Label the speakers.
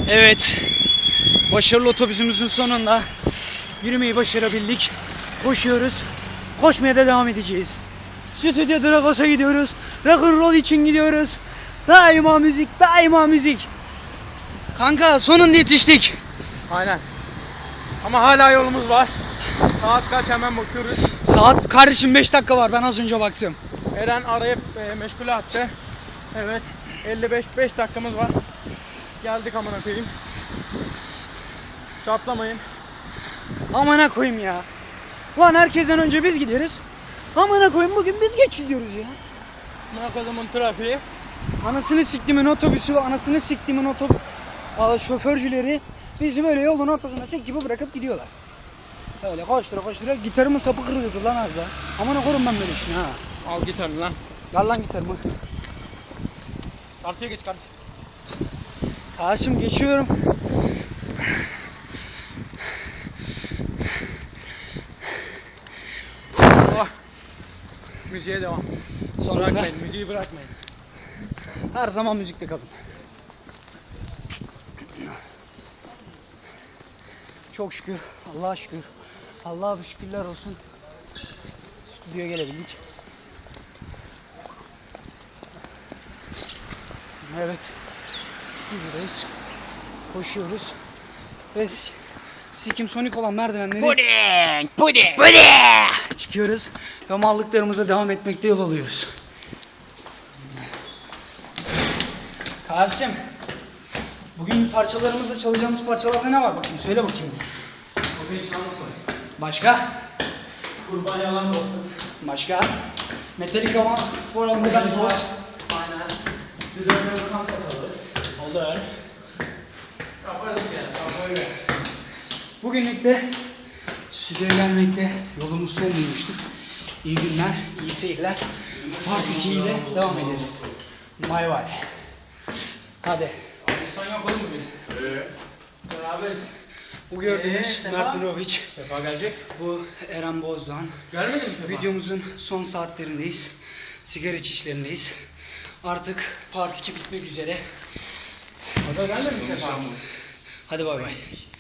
Speaker 1: Evet, başarılı otobüsümüzün sonunda yürümeyi başarabildik. Koşuyoruz, koşmaya da devam edeceğiz. Stüdyo Dragos'a gidiyoruz, rock'n'roll için gidiyoruz. Daima müzik, daima müzik. Kanka sonunda yetiştik.
Speaker 2: Aynen. Ama hala yolumuz var. Saat kaç hemen bakıyoruz.
Speaker 1: Saat kardeşim 5 dakika var, ben az önce baktım.
Speaker 2: Eren arayıp meşgule attı. Evet. 5 dakikamız var. Geldik amına koyayım. Çatlamayın.
Speaker 1: Amına koyayım ya. Lan herkesten önce biz gideriz. Amına koyayım bugün biz geç gidiyoruz ya.
Speaker 2: Amına koyduğumun trafiği.
Speaker 1: Anasını siktimin otobüsü, anasını siktimin şoförcüleri bizim öyle yolun ortasına sek gibi bırakıp gidiyorlar. Öyle koştura gitarımın sapı kırılıyordu lan az daha. Amına koyayım ben böyle işini ha.
Speaker 2: Al gitarını lan.
Speaker 1: Ver lan gitarımı.
Speaker 2: Kartıya geç kardeşim.
Speaker 1: Karşım geçiyorum.
Speaker 2: Oh. Müziğe devam.
Speaker 1: Sonra
Speaker 2: Bırakmayın, müziği bırakmayın.
Speaker 1: her zaman müzikte kalın. Çok şükür, Allah'a şükür. Allah'a bir şükürler olsun. Stüdyoya gelebildik. Evet, stüdyodayız. Koşuyoruz. Ve sikim sonik olan merdivenleri
Speaker 2: Puding.
Speaker 1: çıkıyoruz. Ve mallıklarımıza devam etmekte yol alıyoruz. Karşım, bugün parçalarımızda çalacağımız parçalarda ne var bakayım? Söyle bakayım.
Speaker 2: Bugün şans var.
Speaker 1: Başka?
Speaker 2: Kurban yalan dostum.
Speaker 1: Başka? Metallica var. For All The Bad Boys.
Speaker 2: Aynen. Düzenle bakan satalım.
Speaker 1: Olur.
Speaker 2: Yaparız ya. Böyle.
Speaker 1: Bugünlük de stüdyoya gelmekte yolumuz son bulmuştuk. İyi günler, iyi seyirler. Part 2 ile devam ederiz. Bay bay. Hadi.
Speaker 2: Sen yapalım mı? Beraberiz.
Speaker 1: Bu gördüğünüz
Speaker 2: Sefa?
Speaker 1: Mert Mirovic.
Speaker 2: Sefa gelecek.
Speaker 1: Bu Eren Bozdoğan.
Speaker 2: Gelmedi mi Sefa?
Speaker 1: Videomuzun son saatlerindeyiz. Sigara içişlerindeyiz. Artık Part 2 bitmek üzere.
Speaker 2: O da gelmedi mi Sefa?
Speaker 1: Hadi bay bay.